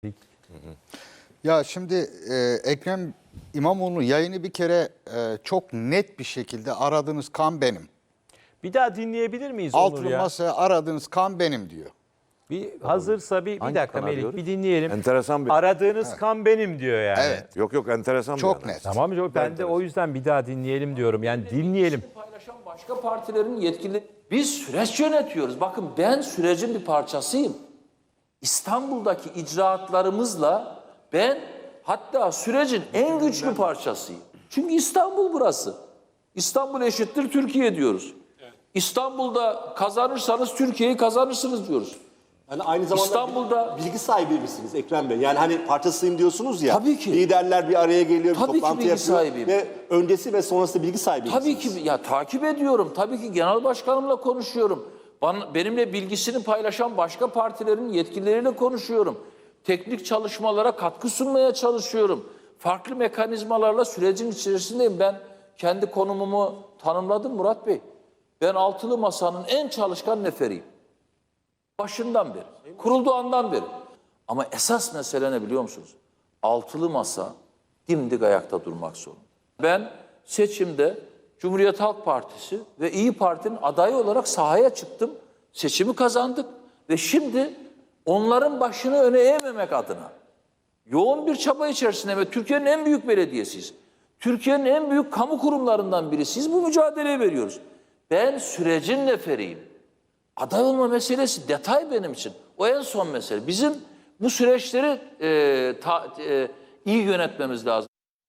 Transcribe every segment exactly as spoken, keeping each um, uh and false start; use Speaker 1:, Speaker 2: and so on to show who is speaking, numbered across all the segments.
Speaker 1: Ya şimdi e, Ekrem İmamoğlu yayını bir kere e, çok net bir şekilde aradığınız kan benim.
Speaker 2: Bir daha dinleyebilir miyiz Onur
Speaker 1: Altılı
Speaker 2: ya?
Speaker 1: masaya aradığınız kan benim diyor.
Speaker 2: Bir hazırsa bir, bir
Speaker 3: Hangi
Speaker 2: dakika
Speaker 3: kanal
Speaker 2: Melih
Speaker 3: diyoruz?
Speaker 2: bir dinleyelim.
Speaker 3: Enteresan bir...
Speaker 2: Aradığınız kan benim diyor yani.
Speaker 1: Evet.
Speaker 3: Yok yok enteresan bir
Speaker 1: Çok
Speaker 3: adam.
Speaker 1: net.
Speaker 2: Tamam mı? Ben de o yüzden bir daha dinleyelim diyorum. Yani dinleyelim.
Speaker 4: Paylaşan başka partilerin yetkili. Biz süreç yönetiyoruz. Bakın ben sürecin bir parçasıyım. İstanbul'daki icraatlarımızla ben hatta sürecin en güçlü parçasıyım. Çünkü İstanbul burası. İstanbul eşittir Türkiye diyoruz. İstanbul'da kazanırsanız Türkiye'yi kazanırsınız diyoruz.
Speaker 5: Yani aynı zamanda
Speaker 4: İstanbul'da-
Speaker 5: bilgi sahibi misiniz Ekrem Bey? Yani hani parçasıyım diyorsunuz ya.
Speaker 4: Tabii ki.
Speaker 5: Liderler bir araya geliyor, bir
Speaker 4: Tabii ki
Speaker 5: toplantı
Speaker 4: bilgi
Speaker 5: yapıyor.
Speaker 4: sahibiyim.
Speaker 5: Ve öncesi ve sonrası bilgi sahibi
Speaker 4: Tabii ki
Speaker 5: misiniz?
Speaker 4: ya takip ediyorum. Tabii ki genel başkanımla konuşuyorum. Bana, benimle bilgisini paylaşan başka partilerin yetkilileriyle konuşuyorum. Teknik çalışmalara katkı sunmaya çalışıyorum. Farklı mekanizmalarla sürecin içerisindeyim. Ben kendi konumumu tanımladım Murat Bey. Ben altılı masanın en çalışkan neferiyim. Başından beri, kurulduğu andan beri. Ama esas mesele ne biliyor musunuz? Altılı masa dimdik ayakta durmak zorunda. Ben seçimde Cumhuriyet Halk Partisi ve İyi Parti'nin adayı olarak sahaya çıktım. Seçimi kazandık ve şimdi onların başını öne eğmemek adına yoğun bir çaba içerisinde ve Türkiye'nin en büyük belediyesiyiz. Türkiye'nin en büyük kamu kurumlarından birisiyiz. Bu mücadeleyi veriyoruz. Ben sürecin neferiyim. Aday olma meselesi detay benim için. O en son mesele. Bizim bu süreçleri e, ta, e, iyi yönetmemiz lazım.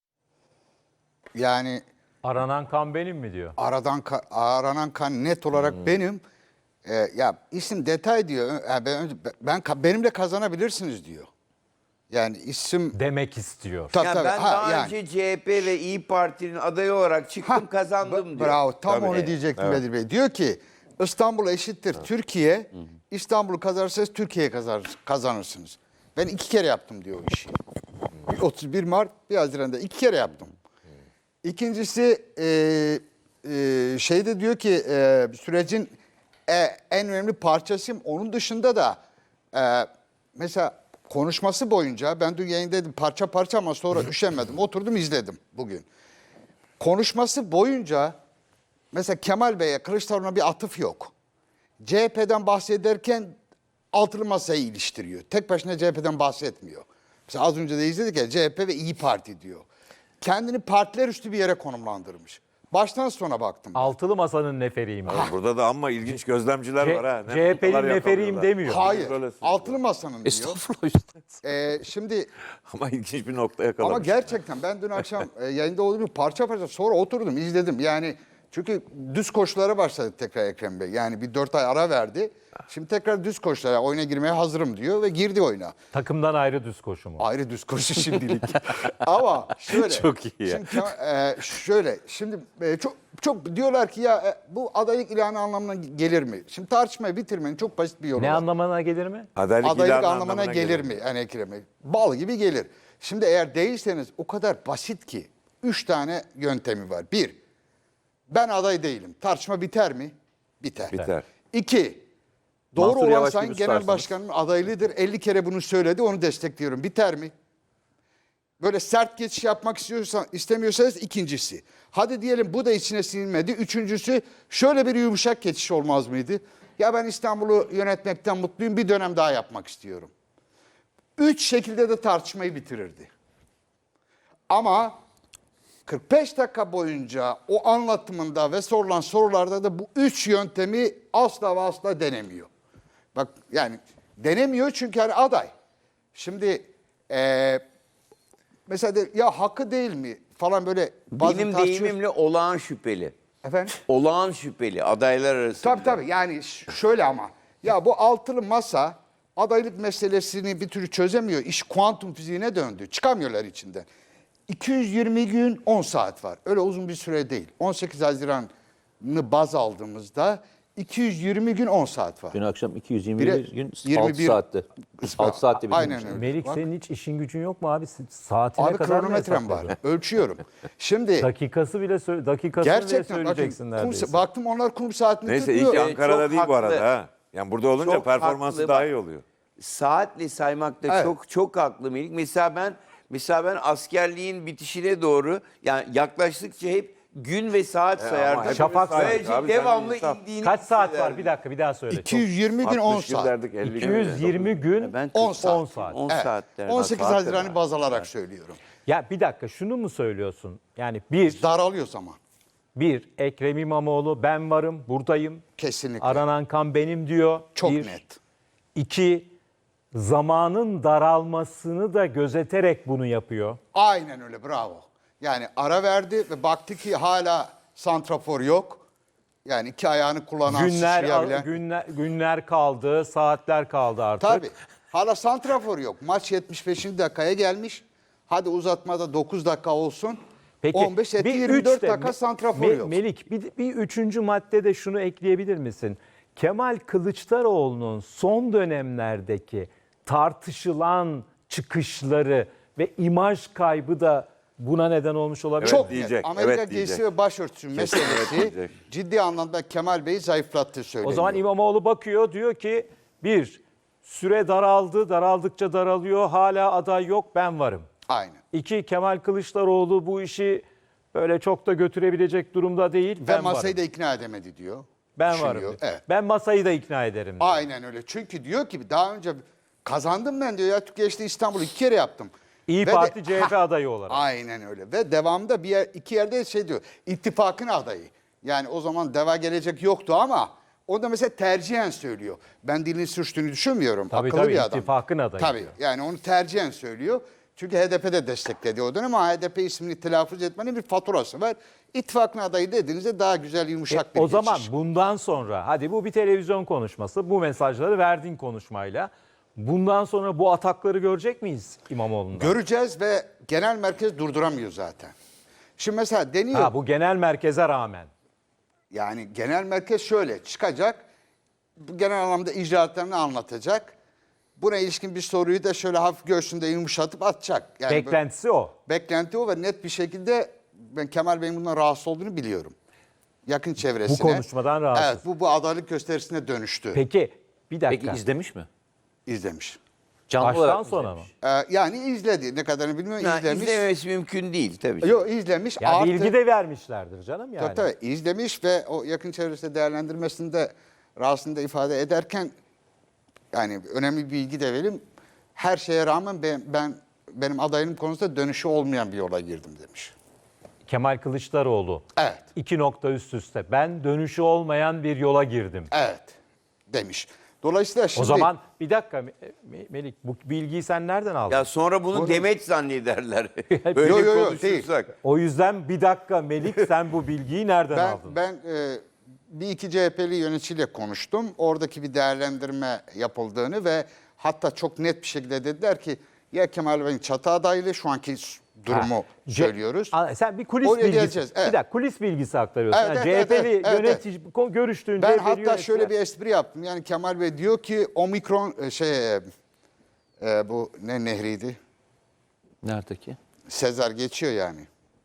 Speaker 1: Yani
Speaker 2: Aranan kan benim mi diyor?
Speaker 1: aradan ka- aranan kan net olarak benim. E, ya isim detay diyor. Ö- ya ben, ben ka- benimle kazanabilirsiniz diyor. Yani isim
Speaker 2: Demek istiyor.
Speaker 1: tabii,
Speaker 6: Ya
Speaker 1: tabii.
Speaker 6: ben
Speaker 1: Ha,
Speaker 6: daha
Speaker 1: yani.
Speaker 6: önce C H P ve İyi Parti'nin adayı olarak çıktım,
Speaker 1: Ha,
Speaker 6: kazandım
Speaker 1: ba-
Speaker 6: diyor.
Speaker 1: Bravo. Tam
Speaker 6: Tabii.
Speaker 1: onu diyecektim Bedir Bey. Diyor ki İstanbul eşittir Türkiye. İstanbul'u kazanırsanız Türkiye kazanır, kazanırsınız. Ben iki kere yaptım diyor o işi. Bir otuz bir Mart, bir Haziran'da iki kere yaptım. İkincisi e, e, şeyde diyor ki e, sürecin e, en önemli parçasıyım. Onun dışında da e, mesela konuşması boyunca ben dün yayındaydım parça parça ama sonra üşenmedim. Oturdum izledim bugün. Konuşması boyunca mesela Kemal Bey'e, Kılıçdaroğlu'na bir atıf yok. C H P'den bahsederken altılı masayı iliştiriyor. Tek başına C H P'den bahsetmiyor. Mesela az önce de izledik ya C H P ve İyi Parti diyor. Kendini partiler üstü bir yere konumlandırmış. Baştan sona baktım.
Speaker 2: Altılı masanın neferiyim.
Speaker 3: Oğlum burada da ama ilginç gözlemciler var ha. Ne
Speaker 2: C H P'nin
Speaker 3: noktalar
Speaker 2: neferiyim
Speaker 3: yakalıyorlar.
Speaker 2: demiyor.
Speaker 1: Hayır.
Speaker 3: Böylesin.
Speaker 1: Altılı masanın diyor.
Speaker 3: Estağfurullah işte.
Speaker 1: Ee, şimdi
Speaker 3: Ama ilginç bir nokta yakalamış.
Speaker 1: ama gerçekten ben dün akşam e, yayında olduğum gibi parça parça sonra oturdum izledim. Yani çünkü düz koşulara başladı tekrar Ekrem Bey. Yani bir dört ay ara verdi. Şimdi tekrar düz koşulara oyuna girmeye hazırım diyor ve girdi oyuna.
Speaker 2: Takımdan ayrı düz koşu mu?
Speaker 1: Ayrı düz koşu şimdilik. Ama şöyle.
Speaker 3: Çok iyi ya.
Speaker 1: Şimdi, e, şöyle. Şimdi e, çok çok diyorlar ki ya e, bu adaylık ilanı anlamına gelir mi? Şimdi tartışmayı bitirmenin çok basit bir yolu
Speaker 2: Ne
Speaker 1: var.
Speaker 2: anlamına gelir mi?
Speaker 3: Adaylık,
Speaker 1: Adaylık
Speaker 3: ilanı
Speaker 1: anlamına gelir mi? Yani Ekrem Bey? Bal gibi gelir. Şimdi eğer değilseniz o kadar basit ki. Üç tane yöntemi var. Bir, ben aday değilim. Tartışma biter mi? Biter.
Speaker 3: Biter.
Speaker 1: İki, doğru
Speaker 3: Mansur
Speaker 1: olan
Speaker 3: Yavaş
Speaker 1: sayın
Speaker 3: gibi
Speaker 1: genel
Speaker 3: tutarsınız.
Speaker 1: başkanın adaylığıdır. elli kere bunu söyledi, onu destekliyorum. Biter mi? Böyle sert geçiş yapmak istiyorsan, istemiyorsanız ikincisi. Hadi diyelim bu da içine sinmedi. Üçüncüsü şöyle bir yumuşak geçiş olmaz mıydı? Ya ben İstanbul'u yönetmekten mutluyum, bir dönem daha yapmak istiyorum. Üç şekilde de tartışmayı bitirirdi. Ama kırk beş dakika boyunca o anlatımında ve sorulan sorularda da bu üç yöntemi asla ve asla denemiyor. Bak yani denemiyor çünkü hani aday. Şimdi eee mesela de, ya hakkı değil mi falan böyle bazı
Speaker 6: Benim
Speaker 1: tartışıyor-
Speaker 6: deyimimle olağan şüpheli.
Speaker 1: Efendim?
Speaker 6: Olağan şüpheli adaylar arasında.
Speaker 1: Tabii tabii yani ş- şöyle ama ya bu altılı masa adaylık meselesini bir türlü çözemiyor. İş kuantum fiziğine döndü. Çıkamıyorlar içinden. iki yüz yirmi gün on saat var. Öyle uzun bir süre değil. on sekiz Haziran'ı baz aldığımızda iki yüz yirmi gün on saat var.
Speaker 7: Dün akşam iki yüz yirmi bir
Speaker 1: Bire-
Speaker 7: gün
Speaker 1: yirmi
Speaker 7: altı
Speaker 1: bir
Speaker 7: saatte. altı saatte
Speaker 1: Aynen
Speaker 7: bitirmiş.
Speaker 1: öyle.
Speaker 2: Melik
Speaker 1: Bak,
Speaker 2: senin hiç işin gücün yok mu abi? Saatine
Speaker 1: abi
Speaker 2: kadar mı
Speaker 1: kronometrem var.
Speaker 2: hesapladın?
Speaker 1: Ölçüyorum. Şimdi
Speaker 2: Dakikası bile söyle, dakikasını bile
Speaker 1: gerçekten
Speaker 2: söyleyeceksin
Speaker 1: bakın, kum,
Speaker 2: neredeyse.
Speaker 1: baktım onlar kum saatini
Speaker 3: Neyse
Speaker 1: tutmuyor.
Speaker 3: iyi ki
Speaker 6: Evet,
Speaker 3: Ankara'da
Speaker 6: çok
Speaker 3: değil bu arada
Speaker 6: haklı.
Speaker 3: ha. Yani burada olunca
Speaker 6: Çok
Speaker 3: performansı
Speaker 6: haklı
Speaker 3: daha
Speaker 6: bak.
Speaker 3: iyi oluyor.
Speaker 6: saatle saymakta
Speaker 1: Evet.
Speaker 6: çok çok haklı Melik. Mesela ben mesela ben askerliğin bitişine doğru yani yaklaştıkça hep gün ve saat sayardım.
Speaker 3: hep
Speaker 2: Şafak
Speaker 3: saydık
Speaker 6: Böylece
Speaker 3: abi, sen
Speaker 6: devamlı
Speaker 3: insaf.
Speaker 6: indiğini
Speaker 2: Kaç saat var?
Speaker 6: hissederdim.
Speaker 2: Bir dakika bir daha söyle.
Speaker 1: iki yüz yirmi gün on
Speaker 3: altmış gün
Speaker 1: saat.
Speaker 3: derdik, elli gün
Speaker 2: iki yüz yirmi gün
Speaker 6: Ben
Speaker 1: on
Speaker 6: kırk-
Speaker 1: saat.
Speaker 2: on saat.
Speaker 6: on
Speaker 1: Evet.
Speaker 6: saat derdim.
Speaker 1: on sekiz
Speaker 6: Saat
Speaker 1: Haziran'ı
Speaker 6: derdim.
Speaker 1: baz alarak söylüyorum.
Speaker 2: Ya bir dakika şunu mu söylüyorsun? Yani bir,
Speaker 1: Daralıyor zaman.
Speaker 2: bir Ekrem İmamoğlu ben varım buradayım.
Speaker 1: Kesinlikle.
Speaker 2: Aranan kan benim diyor.
Speaker 1: Çok
Speaker 2: Bir.
Speaker 1: net.
Speaker 2: İki, zamanın daralmasını da gözeterek bunu yapıyor.
Speaker 1: Aynen öyle, bravo. Yani ara verdi ve baktı ki hala santrafor yok. Yani iki ayağını kullanan,
Speaker 2: Günler,
Speaker 1: sıçrayabilen.
Speaker 2: günler günler kaldı, saatler kaldı artık.
Speaker 1: Tabii. Hala santrafor yok. Maç yetmiş beşinci dakikaya gelmiş. Hadi uzatmada dokuz dakika olsun.
Speaker 2: Peki,
Speaker 1: on beş etti
Speaker 2: bir
Speaker 1: yirmi dört
Speaker 2: üç de-
Speaker 1: dakika santrafor
Speaker 2: Me-
Speaker 1: yok.
Speaker 2: Melik bir, bir üçüncü maddede şunu ekleyebilir misin? Kemal Kılıçdaroğlu'nun son dönemlerdeki tartışılan çıkışları ve imaj kaybı da buna neden olmuş olabilir.
Speaker 3: Evet,
Speaker 1: Çok
Speaker 3: diyecek,
Speaker 1: net. Amerika
Speaker 3: evet
Speaker 1: giysi
Speaker 3: diyecek.
Speaker 1: ve başörtüsü meselesi
Speaker 3: diyecek.
Speaker 1: ciddi anlamda Kemal Bey'i zayıflattığı söyleniyor.
Speaker 2: O zaman İmamoğlu bakıyor diyor ki bir, süre daraldı, daraldıkça daralıyor, hala aday yok, ben varım.
Speaker 1: Aynen.
Speaker 2: İki, Kemal Kılıçdaroğlu bu işi böyle çok da götürebilecek durumda değil,
Speaker 1: Ve
Speaker 2: ben
Speaker 1: masayı
Speaker 2: varım.
Speaker 1: da ikna edemedi diyor.
Speaker 2: Ben
Speaker 1: Düşünüyor.
Speaker 2: varım. diyor.
Speaker 1: Evet.
Speaker 2: Ben masayı da ikna ederim. diyor.
Speaker 1: Aynen öyle. Çünkü diyor ki daha önce kazandım ben diyor ya Türkiye işte İstanbul'u iki kere yaptım.
Speaker 2: İyi
Speaker 1: Ve
Speaker 2: Parti
Speaker 1: de-
Speaker 2: C H P adayı olarak.
Speaker 1: Aynen öyle. Ve devamında bir yer, iki yerde şey diyor. İttifakın adayı. Yani o zaman Deva Gelecek yoktu ama o da mesela tercihen söylüyor. Ben dilini sürçtüğünü düşünmüyorum.
Speaker 2: Tabii,
Speaker 1: Akıllı
Speaker 2: tabii,
Speaker 1: bir adam.
Speaker 2: ittifakın adayı
Speaker 1: Tabii.
Speaker 2: diyor.
Speaker 1: Yani onu tercihen söylüyor. Çünkü H D P de destekledi o dönem ama H D P ismini telaffuz etmenin bir faturası var. İttifakın adayı dediğinizde daha güzel yumuşak bir
Speaker 2: E, O zaman
Speaker 1: geçiş.
Speaker 2: bundan sonra hadi bu bir televizyon konuşması, bu mesajları verdiğin konuşmayla bundan sonra bu atakları görecek miyiz İmamoğlu'ndan?
Speaker 1: Göreceğiz ve genel merkez durduramıyor zaten. Şimdi mesela deniyor.
Speaker 2: Ha, bu genel merkeze rağmen.
Speaker 1: Yani genel merkez şöyle çıkacak. Bu genel anlamda icraatlarını anlatacak. Buna ilişkin bir soruyu da şöyle hafif göğsünde yumuşatıp atacak. Yani
Speaker 2: Beklentisi o.
Speaker 1: böyle- beklenti o ve net bir şekilde ben Kemal Bey'in bundan rahatsız olduğunu biliyorum. Yakın çevresine.
Speaker 2: Bu konuşmadan rahatsız.
Speaker 1: Evet, bu bu adaylık gösterisine dönüştü.
Speaker 2: Peki bir dakika.
Speaker 7: Peki izlemiş mi?
Speaker 1: İzlemiş.
Speaker 7: Canlı
Speaker 2: Baştan
Speaker 7: olarak mı
Speaker 2: sona mı?
Speaker 7: izlemiş?
Speaker 1: Ee, yani izledi. Ne kadarını bilmiyorum.
Speaker 6: Ha,
Speaker 1: izlemiş.
Speaker 6: izlememesi mümkün değil tabii.
Speaker 1: Yok izlemiş.
Speaker 2: Ya
Speaker 1: Artı-
Speaker 2: bilgi de vermişlerdir canım yani.
Speaker 1: Tabii tabii izlemiş ve o yakın çevresinde değerlendirmesinde rahatsızlığını da ifade ederken yani önemli bir bilgi de vereyim. Her şeye rağmen ben, ben benim adayım konusunda dönüşü olmayan bir yola girdim demiş.
Speaker 2: Kemal Kılıçdaroğlu.
Speaker 1: Evet.
Speaker 2: İki nokta üst üste. Ben dönüşü olmayan bir yola girdim.
Speaker 1: Evet demiş. Dolayısıyla şimdi
Speaker 2: O zaman bir dakika Me- Me- Melik bu bilgiyi sen nereden aldın?
Speaker 6: Ya sonra bunu demeç zannederler. Böyle
Speaker 1: Yo, yo, yo,
Speaker 6: konuşursak.
Speaker 2: O yüzden bir dakika Melik sen bu bilgiyi nereden
Speaker 1: ben
Speaker 2: aldın?
Speaker 1: ben e, bir iki C H P'li yöneticiyle konuştum. Oradaki bir değerlendirme yapıldığını ve hatta çok net bir şekilde dediler ki ya Kemal Bey'in çatı adaylığı şu anki durumu
Speaker 2: Ha, C-
Speaker 1: söylüyoruz.
Speaker 2: Aa, sen bir kulis
Speaker 1: Oraya
Speaker 2: bilgisi,
Speaker 1: geleceğiz, evet.
Speaker 2: bir dakika kulis bilgisi aktarıyorsun.
Speaker 1: Evet,
Speaker 2: Yani
Speaker 1: evet,
Speaker 2: C H P'li
Speaker 1: evet, evet,
Speaker 2: yönetici ko- görüştüğün
Speaker 1: Ben
Speaker 2: C H P'li
Speaker 1: hatta
Speaker 2: yöneticiler-
Speaker 1: şöyle bir espri yaptım. Yani Kemal Bey diyor ki omikron e, şey e, e, bu ne nehriydi?
Speaker 7: Neredeki?
Speaker 1: Sezar geçiyor yani.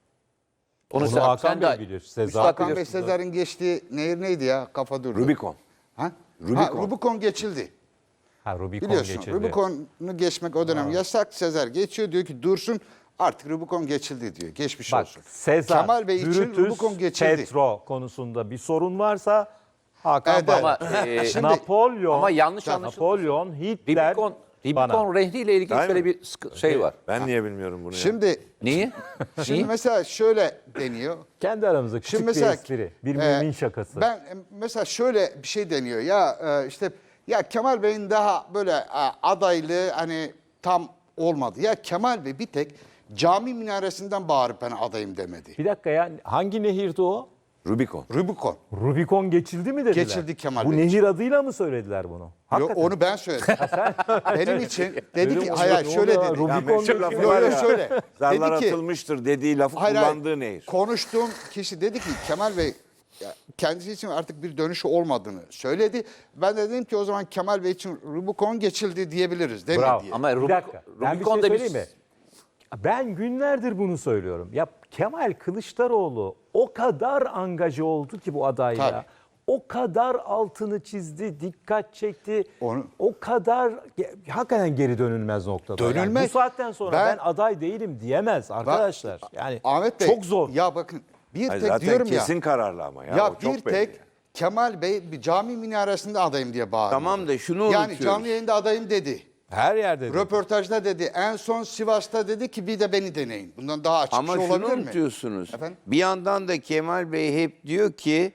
Speaker 7: Onu,
Speaker 2: Onu
Speaker 7: sen,
Speaker 2: Hakan
Speaker 7: sen
Speaker 2: Bey
Speaker 7: de
Speaker 2: bilir. Sezar.
Speaker 7: Müstakil
Speaker 1: Hakan Bey
Speaker 7: biliyorsun.
Speaker 1: Sezar'ın geçtiği nehir neydi ya? Kafa durdu.
Speaker 3: Rubicon.
Speaker 1: Ha?
Speaker 3: Rubicon.
Speaker 1: Ha, Rubicon geçildi.
Speaker 2: Ha, Rubicon
Speaker 1: Biliyorsun
Speaker 2: geçildi.
Speaker 1: Rubicon'u geçmek o dönem yasak. Sezar geçiyor diyor ki dursun artık Rubicon geçildi diyor. Geçmiş
Speaker 2: Bak
Speaker 1: olsun.
Speaker 2: Sezar,
Speaker 1: Kemal Bey için
Speaker 2: Brutus,
Speaker 1: Rubicon geçildi.
Speaker 2: Petro konusunda bir sorun varsa Hakan
Speaker 1: Evet,
Speaker 2: Bey.
Speaker 1: evet.
Speaker 7: Ama, e,
Speaker 1: Şimdi-
Speaker 2: Napolyon,
Speaker 7: Ama yanlış anlaşıldı.
Speaker 2: Napolyon, Hitler,
Speaker 7: Rubicon,
Speaker 2: bana.
Speaker 7: Rubicon rehriyle ilgili
Speaker 3: Değil
Speaker 7: şöyle
Speaker 3: mi?
Speaker 7: bir sıkı- şey var.
Speaker 3: Ben niye bilmiyorum bunu ya?
Speaker 1: Şimdi
Speaker 7: Niye?
Speaker 1: şimdi
Speaker 7: Niye?
Speaker 1: mesela şöyle deniyor.
Speaker 2: Kendi aramızda küçük
Speaker 1: Şimdi mesela
Speaker 2: bir espri, bir
Speaker 1: e,
Speaker 2: mümin şakası.
Speaker 1: Ben e, mesela şöyle bir şey deniyor ya e, işte ya Kemal Bey'in daha böyle e, adaylığı hani tam olmadı. Ya Kemal Bey bir tek cami minaresinden bağırıp ben adayım demedi.
Speaker 2: Bir dakika ya hangi nehirdi o?
Speaker 3: Rubicon.
Speaker 1: Rubicon.
Speaker 2: Rubicon geçildi mi dediler?
Speaker 1: Geçildi Kemal
Speaker 2: Bu
Speaker 1: Bey.
Speaker 2: nehir adıyla mı söylediler bunu?
Speaker 1: Yok
Speaker 2: Hakikaten.
Speaker 1: onu ben söyledim. Benim için dedi
Speaker 2: Öyle
Speaker 1: ki
Speaker 2: mi?
Speaker 1: hayır
Speaker 2: Ne
Speaker 1: şöyle
Speaker 2: oluyor?
Speaker 1: dedi.
Speaker 2: Rubicon
Speaker 3: Ya meşhur
Speaker 2: nehri
Speaker 3: lafı
Speaker 2: var
Speaker 1: Yok
Speaker 3: var
Speaker 1: yok
Speaker 3: ya.
Speaker 1: şöyle.
Speaker 3: Zarlar
Speaker 1: Dedi ki
Speaker 3: atılmıştır dediği lafı
Speaker 1: hayır, hayır,
Speaker 3: kullandığı nehir.
Speaker 1: konuştuğum kişi dedi ki Kemal Bey ya, kendisi için artık bir dönüşü olmadığını söyledi. Ben de dedim ki o zaman Kemal Bey için Rubicon geçildi diyebiliriz değil
Speaker 2: Bravo.
Speaker 1: mi diye.
Speaker 7: Ama
Speaker 2: Bir
Speaker 7: Rubicon,
Speaker 2: dakika. Ben bir şey
Speaker 7: Rubicon da
Speaker 2: söyleyeyim mi? Ben günlerdir bunu söylüyorum. Ya Kemal Kılıçdaroğlu o kadar angaje oldu ki bu adayla.
Speaker 1: Tabii.
Speaker 2: o kadar altını çizdi, dikkat çekti.
Speaker 1: Onu-
Speaker 2: O kadar ge- hakikaten geri dönülmez noktada. Yani
Speaker 1: Dönülmez.
Speaker 2: bu saatten sonra ben,
Speaker 1: Ben-
Speaker 2: aday değilim diyemez arkadaşlar. Yani
Speaker 1: Ahmet Bey,
Speaker 2: çok zor.
Speaker 1: Ya bakın bir
Speaker 3: Hayır,
Speaker 1: tek
Speaker 3: zaten
Speaker 1: diyorum ya.
Speaker 3: kesin kararlı ama ya.
Speaker 1: Ya
Speaker 3: o çok
Speaker 1: bir
Speaker 3: belli.
Speaker 1: tek Kemal Bey bir cami minaresinde adayım diye bağırıyor.
Speaker 6: Tamam da şunu
Speaker 1: Yani
Speaker 6: unutuyoruz.
Speaker 1: canlı yayında adayım dedi.
Speaker 2: Her yerde. de.
Speaker 1: Röportajda dedi. En son Sivas'ta dedi ki bir de beni deneyin. Bundan daha açık
Speaker 6: Ama
Speaker 1: bir şey
Speaker 6: şunu
Speaker 1: olabilir mi?
Speaker 6: unutuyorsunuz.
Speaker 1: Efendim?
Speaker 6: Bir yandan da Kemal Bey hep diyor ki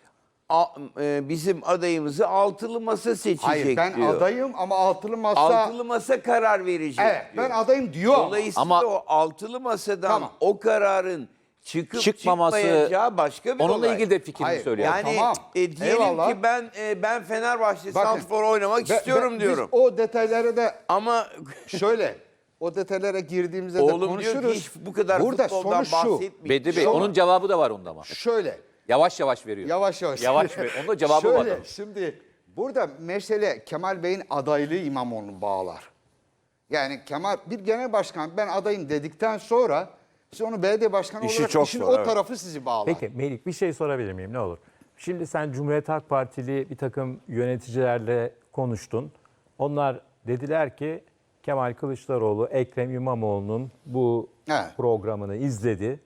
Speaker 6: "A- e, bizim adayımızı altılı masa seçecek
Speaker 1: Hayır ben
Speaker 6: diyor.
Speaker 1: adayım ama altılı masa...
Speaker 6: Altılı masa karar verecek
Speaker 1: Evet
Speaker 6: diyor.
Speaker 1: ben adayım diyor ama.
Speaker 6: Dolayısıyla
Speaker 7: Ama-
Speaker 6: o altılı masadan
Speaker 1: Tamam.
Speaker 6: o kararın çıkıp
Speaker 7: Çıkmaması,
Speaker 6: çıkmayacağı başka bir
Speaker 7: onunla
Speaker 6: olay.
Speaker 7: ilgili de fikrimi
Speaker 1: Hayır,
Speaker 7: söylüyorum.
Speaker 6: Yani
Speaker 1: Tamam.
Speaker 6: e, diyelim
Speaker 1: Eyvallah.
Speaker 6: ki ben e, ben Fenerbahçe
Speaker 1: Bakın,
Speaker 6: Santrfor oynamak
Speaker 1: Ve-
Speaker 6: istiyorum
Speaker 1: ve
Speaker 6: diyorum.
Speaker 1: Biz o detaylara da
Speaker 6: Ama
Speaker 1: şöyle o detaylara girdiğimizde de
Speaker 6: oğlum diyor
Speaker 1: konuşuruz.
Speaker 6: ki hiç bu kadar
Speaker 1: Burada
Speaker 6: futboldan
Speaker 1: sonuç şu.
Speaker 6: bahsetmeyin.
Speaker 7: Bedri Bey,
Speaker 1: Şu-
Speaker 7: onun cevabı da var onda ama.
Speaker 1: Şöyle
Speaker 7: Yavaş yavaş veriyor.
Speaker 1: yavaş yavaş.
Speaker 7: Yavaş ver. Onun da cevabı var.
Speaker 1: Şöyle şimdi burada mesele Kemal Bey'in adaylığı İmamoğlu'nu bağlar. Yani Kemal bir genel başkan ben adayım dedikten sonra siz onu belediye başkanı
Speaker 3: İşi
Speaker 1: olarak
Speaker 3: çok
Speaker 1: işin
Speaker 3: zor,
Speaker 1: o
Speaker 3: evet.
Speaker 1: tarafı sizi bağlar.
Speaker 2: Peki Melik bir şey sorabilir miyim ne olur? Şimdi sen Cumhuriyet Halk Partili bir takım yöneticilerle konuştun. Onlar dediler ki Kemal Kılıçdaroğlu Ekrem İmamoğlu'nun bu
Speaker 1: Evet.
Speaker 2: programını izledi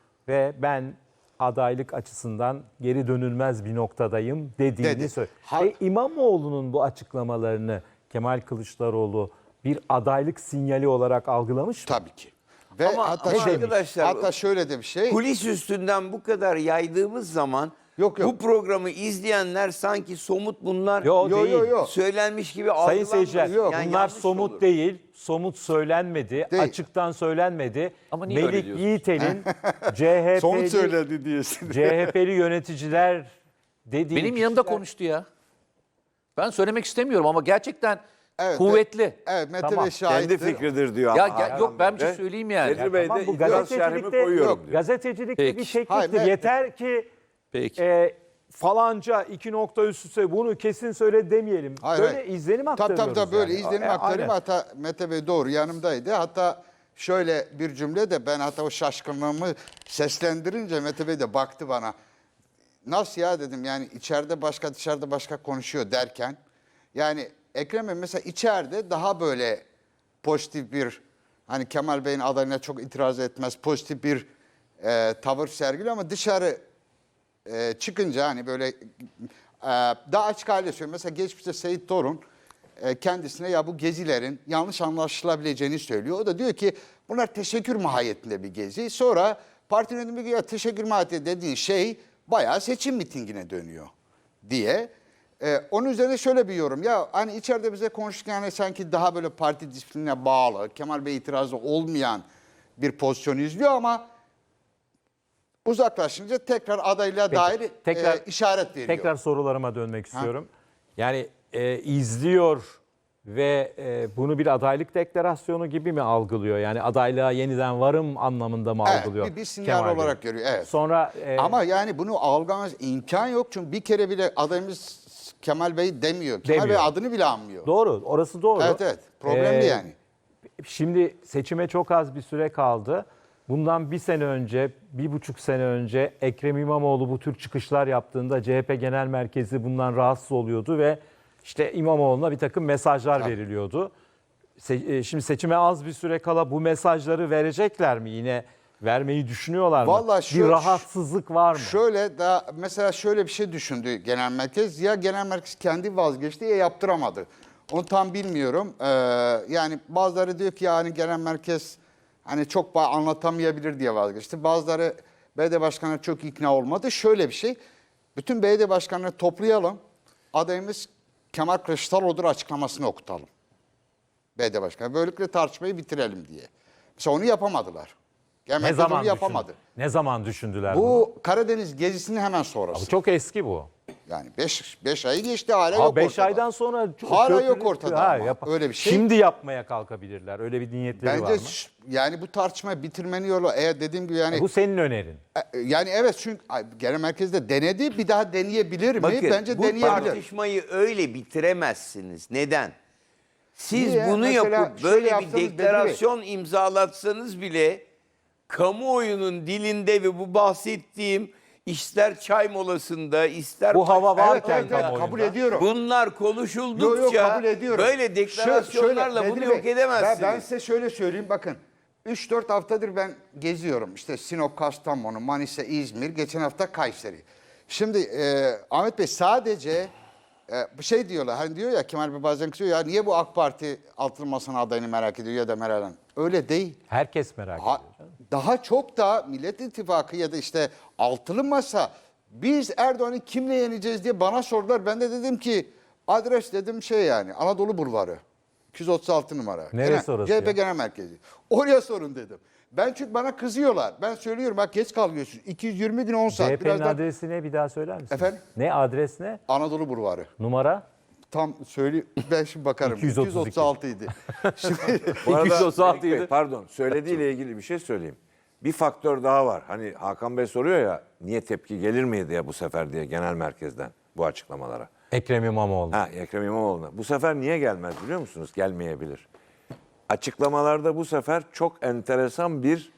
Speaker 2: ve ben adaylık açısından geri dönülmez bir noktadayım dediğini
Speaker 1: Dedi.
Speaker 2: söyledi.
Speaker 1: Ha-
Speaker 2: E, İmamoğlu'nun bu açıklamalarını Kemal Kılıçdaroğlu bir adaylık sinyali olarak algılamış mı?
Speaker 1: Tabii ki. Ve
Speaker 6: Ama-
Speaker 1: hatta,
Speaker 6: ama
Speaker 1: şöyle,
Speaker 6: arkadaşlar,
Speaker 1: hatta şöyle de bir şey.
Speaker 6: kulis üstünden bu kadar yaydığımız zaman
Speaker 1: Yok, yok.
Speaker 6: bu programı izleyenler sanki somut bunlar
Speaker 2: Yo,
Speaker 1: Yo,
Speaker 2: değil.
Speaker 1: yo, yo.
Speaker 6: söylenmiş gibi
Speaker 2: Sayın
Speaker 6: algılanmaz.
Speaker 2: seyirciler,
Speaker 1: Yok,
Speaker 6: Yani
Speaker 2: bunlar
Speaker 6: yanlış
Speaker 2: somut
Speaker 6: olur.
Speaker 2: değil, somut söylenmedi,
Speaker 1: Değil.
Speaker 2: açıktan söylenmedi.
Speaker 7: Ama niye öyle
Speaker 2: Melik
Speaker 7: diyorsun?
Speaker 2: Yiğitel'in C H
Speaker 1: Somut
Speaker 2: P'li,
Speaker 1: söyledi diyorsun.
Speaker 2: C H P'li yöneticiler dediği
Speaker 7: Benim yanımda
Speaker 2: kişiler-
Speaker 7: konuştu ya. Ben söylemek istemiyorum ama gerçekten
Speaker 1: Evet,
Speaker 7: kuvvetli.
Speaker 1: Evet Mete
Speaker 2: Tamam.
Speaker 1: Bey şahittir.
Speaker 3: Kendi fikridir diyor
Speaker 7: Ya
Speaker 3: ama.
Speaker 7: gel- yok, ben bir şey
Speaker 3: Bey.
Speaker 7: söyleyeyim yani.
Speaker 3: Bedri Bey
Speaker 2: Tamam,
Speaker 3: de
Speaker 2: bu
Speaker 3: biraz şerhimi
Speaker 2: gazetecilikte
Speaker 3: koyuyorum
Speaker 2: yok.
Speaker 3: diyor.
Speaker 2: Gazetecilikte
Speaker 7: Peki.
Speaker 2: bir tekniktir.
Speaker 1: Hayır, ben-
Speaker 2: Yeter ki
Speaker 7: Peki.
Speaker 2: e, falanca iki nokta üst üste bunu kesin söyle demeyelim.
Speaker 1: Hayır,
Speaker 2: böyle
Speaker 1: hayır.
Speaker 2: izlenim
Speaker 1: Tabii
Speaker 2: aktarıyoruz.
Speaker 1: tabii tabii böyle
Speaker 2: yani.
Speaker 1: izlenim
Speaker 2: E,
Speaker 1: aktarayım.
Speaker 2: aynen.
Speaker 1: Hatta Mete Bey doğru yanımdaydı. Hatta şöyle bir cümle de ben hatta o şaşkınlığımı seslendirince Mete Bey de baktı bana. Nasıl ya dedim yani içeride başka dışarıda başka konuşuyor derken. Yani Ekrem Bey mesela içeride daha böyle pozitif bir hani Kemal Bey'in adayına çok itiraz etmez pozitif bir e, tavır sergiliyor ama dışarı e, çıkınca hani böyle e, daha açık hale söylüyorum. Mesela geçmişte Seyit Torun e, kendisine ya bu gezilerin yanlış anlaşılabileceğini söylüyor. O da diyor ki bunlar teşekkür mahiyetinde bir gezi. Sonra parti yönetimi diyor ya teşekkür mahiyeti dediğin şey bayağı seçim mitingine dönüyor diye. E, onun üzerine şöyle bir yorum. Ya hani içeride bize konuşurken hani sanki daha böyle parti disiplinine bağlı, Kemal Bey itirazı olmayan bir pozisyon izliyor ama uzaklaşınca tekrar adaylığa
Speaker 2: Peki,
Speaker 1: dair
Speaker 2: tekrar-
Speaker 1: e, işaret veriyor.
Speaker 2: Tekrar sorularıma dönmek istiyorum. Yani e, izliyor ve e, bunu bir adaylık deklarasyonu gibi mi algılıyor? Yani adaylığa yeniden varım anlamında mı
Speaker 1: Evet,
Speaker 2: algılıyor?
Speaker 1: bir- bir sinyal
Speaker 2: Kemal Bey?
Speaker 1: olarak görüyor, evet.
Speaker 2: Sonra e,
Speaker 1: Ama yani bunu algılamaz imkan yok çünkü bir kere bile adayımız Kemal Bey demiyor. Kemal
Speaker 2: Demiyor.
Speaker 1: Bey adını bile anmıyor.
Speaker 2: doğru, orası doğru.
Speaker 1: Evet evet problemli
Speaker 2: Ee,
Speaker 1: yani.
Speaker 2: Şimdi seçime çok az bir süre kaldı. Bundan bir sene önce, bir buçuk sene önce Ekrem İmamoğlu bu tür çıkışlar yaptığında C H P Genel Merkezi bundan rahatsız oluyordu ve işte İmamoğlu'na bir takım mesajlar veriliyordu. Se- e, Şimdi seçime az bir süre kala bu mesajları verecekler mi? Yine vermeyi düşünüyorlar mı?
Speaker 1: Vallahi
Speaker 2: bir
Speaker 1: şu-
Speaker 2: rahatsızlık var mı?
Speaker 1: Şöyle da mesela şöyle bir şey düşündü genel merkez. Ya genel merkez kendi vazgeçti ya yaptıramadı. Onu tam bilmiyorum. Ee, yani bazıları diyor ki yani genel merkez hani çok ba- anlatamayabilir diye vazgeçti. Bazıları belediye başkanı çok ikna olmadı. Şöyle bir şey. Bütün belediye başkanları toplayalım. Adayımız Kemal Kılıçdaroğlu'dur açıklamasını okutalım. Belediye başkanı. Böylelikle tartışmayı bitirelim diye. Mesela onu yapamadılar. Genel
Speaker 2: ne
Speaker 1: merkez
Speaker 2: zaman
Speaker 1: onu yapamadı.
Speaker 2: düşündü- Ne zaman düşündüler bunu?
Speaker 1: Bu Karadeniz gezisinin hemen sonrası.
Speaker 2: Bu çok eski bu.
Speaker 1: Yani beş ayı geçti hala
Speaker 2: Ha
Speaker 1: yok
Speaker 2: beş
Speaker 1: ortada.
Speaker 2: aydan sonra çok
Speaker 1: Hala
Speaker 2: köprü-
Speaker 1: yok ortada
Speaker 2: Ha,
Speaker 1: ama.
Speaker 2: yap-
Speaker 1: Öyle bir şey.
Speaker 2: Şimdi yapmaya kalkabilirler. Öyle bir niyetleri var
Speaker 1: Bence
Speaker 2: mı?
Speaker 1: ş- yani bu tartışmayı bitirmenin yolu eğer dediğim gibi yani
Speaker 2: Bu senin önerin.
Speaker 1: e, yani evet çünkü ay, genel merkezde denedi bir daha deneyebilir mi?
Speaker 6: Bakın
Speaker 1: Bence
Speaker 6: bu
Speaker 1: deneyebilir.
Speaker 6: tartışmayı öyle bitiremezsiniz. Neden? Siz
Speaker 1: Niye?
Speaker 6: bunu
Speaker 1: Mesela
Speaker 6: yapıp
Speaker 1: şöyle
Speaker 6: böyle bir
Speaker 1: yapsanız Bedri Bey.
Speaker 6: deklarasyon imzalatsanız bile kamuoyunun dilinde ve bu bahsettiğim ister çay molasında, ister
Speaker 2: Bu hava
Speaker 6: başka
Speaker 2: varken
Speaker 1: Evet, evet,
Speaker 2: kamuoyunda.
Speaker 1: kabul ediyorum.
Speaker 6: bunlar
Speaker 1: Yo, yo,
Speaker 6: konuşuldukça
Speaker 1: kabul ediyorum.
Speaker 6: böyle
Speaker 1: Şö-
Speaker 6: deklarasyonlarla
Speaker 1: şöyle,
Speaker 6: bunu
Speaker 1: Bedri
Speaker 6: yok
Speaker 1: Bey,
Speaker 6: edemezsiniz.
Speaker 1: Ben, ben size şöyle söyleyeyim bakın. üç dört haftadır ben geziyorum. İşte Sinop, Kastamonu, Manisa, İzmir, geçen hafta Kayseri. Şimdi e, Ahmet Bey sadece e, bir şey diyorlar. Hani diyor ya Kemal Bey bazen kızıyor ya niye bu AK Parti altılı masanın adayını merak ediyor ya da Meral Hanım. Öyle değil.
Speaker 2: Herkes merak
Speaker 1: Ha-
Speaker 2: ediyor. canım.
Speaker 1: daha çok da Millet İttifakı ya da işte altılı masa biz Erdoğan'ı kimle yeneceğiz diye bana sordular. Ben de dedim ki adres dedim şey yani Anadolu Bulvarı iki yüz otuz altı numara.
Speaker 2: Neresi
Speaker 1: Genel-
Speaker 2: orası
Speaker 1: C H P
Speaker 2: ya?
Speaker 1: Genel Merkezi. Oraya sorun dedim. Ben çünkü bana kızıyorlar. Ben söylüyorum bak geç kalıyorsun. iki yüz yirmi gün on saat.
Speaker 2: C H P'nin
Speaker 1: Birazdan
Speaker 2: adresi ne bir daha söyler misin?
Speaker 1: Efendim?
Speaker 2: Ne adres ne?
Speaker 1: Anadolu Bulvarı.
Speaker 2: Numara?
Speaker 1: Tam söyle ben şimdi bakarım.
Speaker 2: iki yüz otuz iki.
Speaker 1: iki yüz otuz altı idi. Şimdi
Speaker 3: Bu arada
Speaker 7: iki yüz otuz altı
Speaker 3: Melik Bey,
Speaker 7: ydi.
Speaker 3: pardon söylediğiyle ilgili bir şey söyleyeyim. Bir faktör daha var. Hani Hakan Bey soruyor ya niye tepki gelir miydi ya bu sefer diye genel merkezden bu açıklamalara.
Speaker 2: Ekrem İmamoğlu.
Speaker 3: Ha Ekrem İmamoğlu'na. Bu sefer niye gelmez biliyor musunuz? Gelmeyebilir. Açıklamalarda bu sefer çok enteresan bir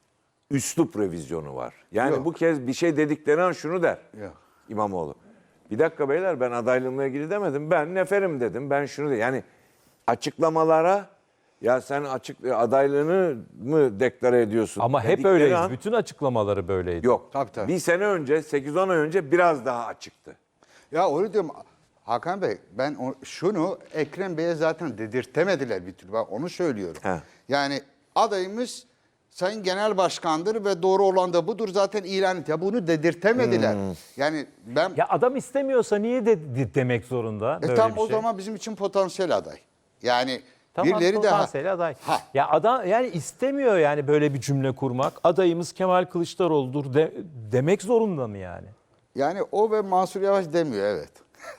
Speaker 3: üslup revizyonu var. Yani
Speaker 1: Yok.
Speaker 3: bu kez bir şey dedikleri an şunu der
Speaker 1: Yok.
Speaker 3: İmamoğlu. Bir dakika beyler ben adaylığımla ilgili demedim. Ben neferim dedim. Ben şunu de yani açıklamalara ya sen açık adaylığını mı deklare ediyorsun?
Speaker 2: Ama hep
Speaker 3: dedikleri
Speaker 2: öyleyiz.
Speaker 3: an-
Speaker 2: Bütün açıklamaları böyleydi.
Speaker 3: Yok.
Speaker 1: Tabii, tabii.
Speaker 3: Bir sene önce, sekiz on ay önce biraz daha açıktı.
Speaker 1: Ya öyle diyorum Hakan Bey ben o- şunu Ekrem Bey'e zaten dedirtemediler bir türlü. Ben onu söylüyorum.
Speaker 3: He.
Speaker 1: Yani adayımız Sayın Genel Başkan'dır ve doğru olan da budur zaten ilan et. Ya bunu dedirtemediler.
Speaker 3: Hmm.
Speaker 1: Yani ben
Speaker 2: Ya adam istemiyorsa niye de, de- demek zorunda
Speaker 1: e
Speaker 2: böyle
Speaker 1: tam
Speaker 2: bir
Speaker 1: o
Speaker 2: şey?
Speaker 1: zaman bizim için potansiyel aday. Yani
Speaker 2: Tamam,
Speaker 1: birileri de
Speaker 2: potansiyel aday.
Speaker 1: Ha.
Speaker 2: Ya adam yani istemiyor yani böyle bir cümle kurmak. Adayımız Kemal Kılıçdaroğlu'dur de- demek zorunda mı yani?
Speaker 1: Yani o ve Mansur Yavaş demiyor evet.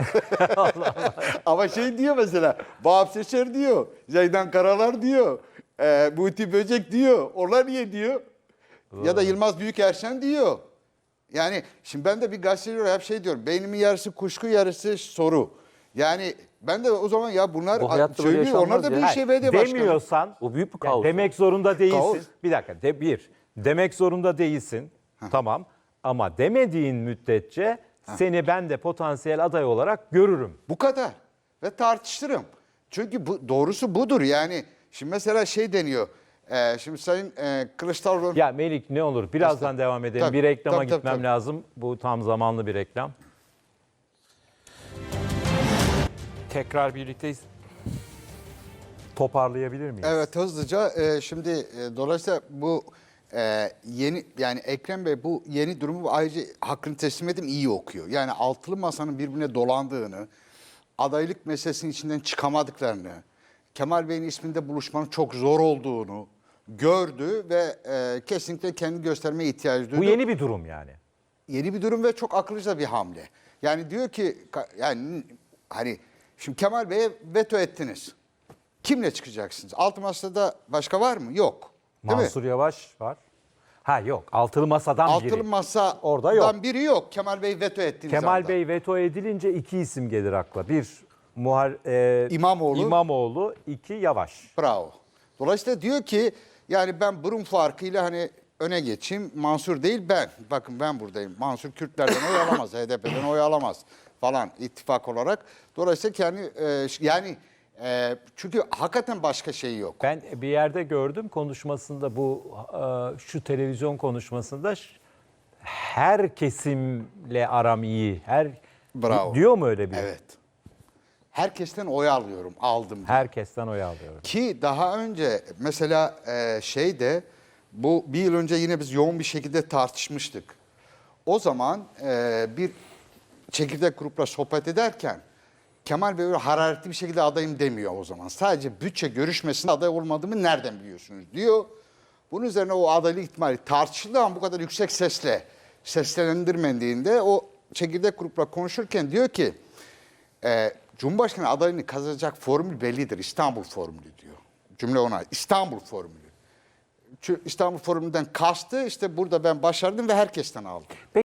Speaker 1: Ama şey diyor mesela Vahap Seçer diyor, Zeydan Karalar diyor, e, Muhti Böcek diyor. Onlar niye diyor? Ya da Yılmaz Büyükerşen diyor. Yani şimdi ben de bir gazeteci olarak hep şey diyorum. Beynimin yarısı kuşku yarısı soru. Yani ben de o zaman ya bunlar
Speaker 7: Bu hayatta böyle
Speaker 1: söylüyor. Onlar
Speaker 7: yaşanmaz
Speaker 1: da
Speaker 7: ya.
Speaker 1: bir
Speaker 2: Hayır,
Speaker 1: şey belediye başkanı.
Speaker 2: demiyorsan
Speaker 7: O büyük bir
Speaker 2: yani
Speaker 7: kaos.
Speaker 2: demek zorunda değilsin.
Speaker 1: Kaos.
Speaker 2: Bir dakika de, bir demek zorunda değilsin. Tamam ama demediğin müddetçe seni ben de potansiyel aday olarak görürüm.
Speaker 1: Bu kadar. Ve tartıştırım. Çünkü bu, doğrusu budur. Yani şimdi mesela şey deniyor. E, şimdi Sayın e, Kılıçdaroğlu...
Speaker 2: Ya Melik ne olur birazdan devam edelim.
Speaker 1: Tabii,
Speaker 2: bir reklama
Speaker 1: tabii, tabii,
Speaker 2: gitmem
Speaker 1: tabii.
Speaker 2: lazım. Bu tam zamanlı bir reklam. Tekrar birlikteyiz. Toparlayabilir miyiz?
Speaker 1: Evet hızlıca e, şimdi e, dolayısıyla bu e, yeni yani Ekrem Bey bu yeni durumu ayrıca hakkını teslim edeyim iyi okuyor. Yani altılı masanın birbirine dolandığını, adaylık meselesinin içinden çıkamadıklarını, Kemal Bey'in isminde buluşmanın çok zor olduğunu gördü ve e, kesinlikle kendi göstermeye ihtiyacı duydu.
Speaker 2: Bu yeni bir durum yani.
Speaker 1: Yeni bir durum ve çok akıllıca bir hamle. Yani diyor ki ka- yani hani şimdi Kemal Bey'e veto ettiniz. Kimle çıkacaksınız? Altı masada başka var mı? Yok. Değil
Speaker 2: Mansur
Speaker 1: mi?
Speaker 2: Yavaş var. Ha yok. Altılı masadan biri.
Speaker 1: Altılı masadan
Speaker 2: Orada yok.
Speaker 1: biri yok. Kemal Bey veto ettiniz.
Speaker 2: Kemal Bey veto edilince iki isim gelir akla. Bir Muhar, e,
Speaker 1: İmamoğlu.
Speaker 2: İmamoğlu, iki Yavaş.
Speaker 1: Bravo. Dolayısıyla diyor ki yani ben burun farkıyla hani öne geçeyim. Mansur değil ben. Bakın ben buradayım. Mansur Kürtlerden oy alamaz. H D P'den oy alamaz falan ittifak olarak. Dolayısıyla kendi e, yani e, çünkü hakikaten başka şey yok.
Speaker 2: Ben bir yerde gördüm konuşmasında bu e, şu televizyon konuşmasında ş- her kesimle aram iyi. Her
Speaker 1: Bravo.
Speaker 2: diyor mu öyle bir?
Speaker 1: Evet. Herkesten oy alıyorum. Aldım. diyor.
Speaker 2: Herkesten oy alıyorum.
Speaker 1: Ki daha önce mesela e, şeyde bu bir yıl önce yine biz yoğun bir şekilde tartışmıştık. O zaman e, bir çekirdek grupla sohbet ederken Kemal Bey öyle hararetli bir şekilde adayım demiyor o zaman. Sadece bütçe görüşmesinde aday olmadığımı nereden biliyorsunuz diyor. Bunun üzerine o adaylık ihtimali tartışıldı ama bu kadar yüksek sesle seslendirmediğinde o çekirdek grupla konuşurken diyor ki e, Cumhurbaşkanı adayını kazanacak formül bellidir. İstanbul formülü diyor. Cümle ona İstanbul formülü. Çünkü İstanbul formülünden kastı işte burada ben başardım ve herkesten aldım.